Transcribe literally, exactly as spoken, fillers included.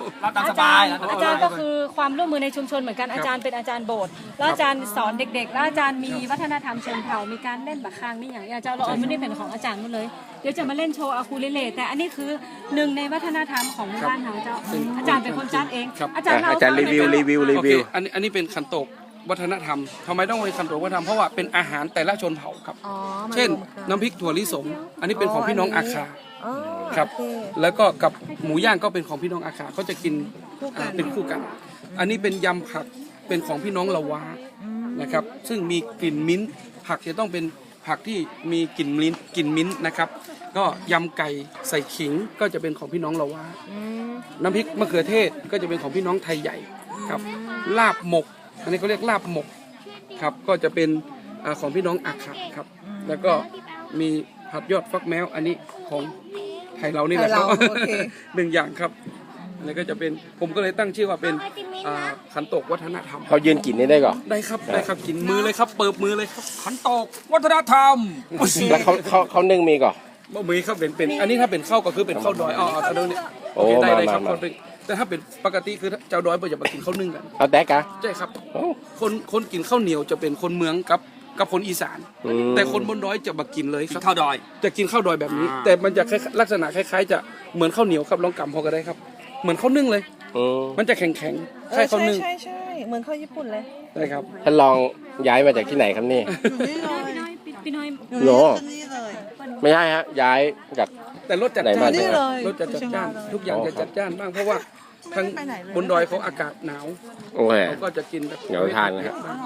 รับตามสบายอาจารย์ก็คือความร่วมมือในชุมชนเหมือนกันอาจารย์เป็นอาจารย์โบสถ์แล้วอาจารย์สอนเด็กๆแล้วอาจารย์มีวัฒนธรรมเชิงเผ่ามีการเล่นบักคางนี่อย่างอาจารย์เราเอาไม่ได้เป็นของอาจารย์หมดเลยเดี๋ยวจะมาเล่นโชว์อาคูเลเล่แต่อันนี้คือหนึ่งในวัฒนธรรมของบ้านเราเจ้าอาจารย์เป็นคนจัดเองอาจารย์เราอาจารย์รีวิวรีวิวรีโอเควิวอันนี้อันนี้เป็นขันโตกวัฒนธรรมทำไมต้องเป็นขันโตกวัฒนธรรมเพราะว่าเป็นอาหารแต่ละชนเผ่าครับอ๋อมาเช่นรวมกันน้ำพริกถั่วลิสงอันนี้เป็นของพี่น้องอาคาอ๋อครับโอเแล้วก็กับหมูย่างก็เป็นของพี่น้องอาคาเขาจะกินคู่กันอ่าเป็นคู่กัน อันนี้เป็นยำผักเป็นของพี่น้องละวานะครับซึ่งมีกลิ่นมิ้นท์ผักจะต้องเป็นผักที่มีกลิ่นมิ้นท์กลิ่นมิ้นท์นะครับก็ยำไก่ใส่ขิงก็จะเป็นของพี่น้องละวาอืมน้ำพริกมะเขือเทศก็จะเป็นของพี่น้องไทยใหญ่ครับลาบหมก อันนี้เขาเรียกลาบหมกครับก็จะเป็นอ่าของพี่น้องอาคาครับแล้วก็มีผัดยอดฟักแมวอันนี้ของไทยเรานี่แหละครับไทยเราโอเคหนึ่งอย่างครับอันนี้ก็จะเป็นผมก็เลยตั้งชื่อว่าเป็นอ่าขันโตกวัฒนธรรมเขายืนกินนี่ได้ก่อนได้ครับได้ครับกินมือเลยครับเปิบมือเลยครับขันโตกวัฒนธรรมแล้วเขาเขาเขานึ่งมีก่อนบ่มีครับเป็นเป็นอันนี้ถ้าเป็นข้าวก็คือเป็นข้าวดอยอ๋อเอาตรงนี้โอ้โอเคได้เลยครับมามาคนเป็นแต่ถ้าเป็นปกติคือเจ้าดอยเปิดจะมากินข้าวนึ่งกันเอาแตกอะใช่ครับโอ้คนคนกินข้าวเหนียวจะเป็นคนเมืองกับกับคนอีสานอืมแต่คนบนดอยจะมากินเลยครับข้าวดอยจะกินข้าวดอยแบบนี้อ่าแต่มันจะคล้ายๆลักษณะคล้ายๆ จะเหมือนข้าวเหนียวครับลองกำพอก็ได้ครับ เหมือนข้าวนึ่งเลยอืมมันจะแข็งแข็งๆเอใช่อข้าวใช่นึ่งใช่ใช่เหมือนข้าวญี่ปุ่นเลยใช่ครับท่านลองย้ายมาจากที่ไหนครับนี่นี่เลยพี่น้อยโน่นี่เลยไม่ใช่ฮะย้ายจากแต่รสจัดไหนจ้ามานนี่เลยรสจัดจ้าน ทุกอย่างอ๋อจะจัดจ้านบ้างเพราะว่าไม่ทางได้ไปไหนเลยบนดอยเขาอากาศหนาวโอเคเขาก็จะกินแบบเดี๋ยวทานนะครับ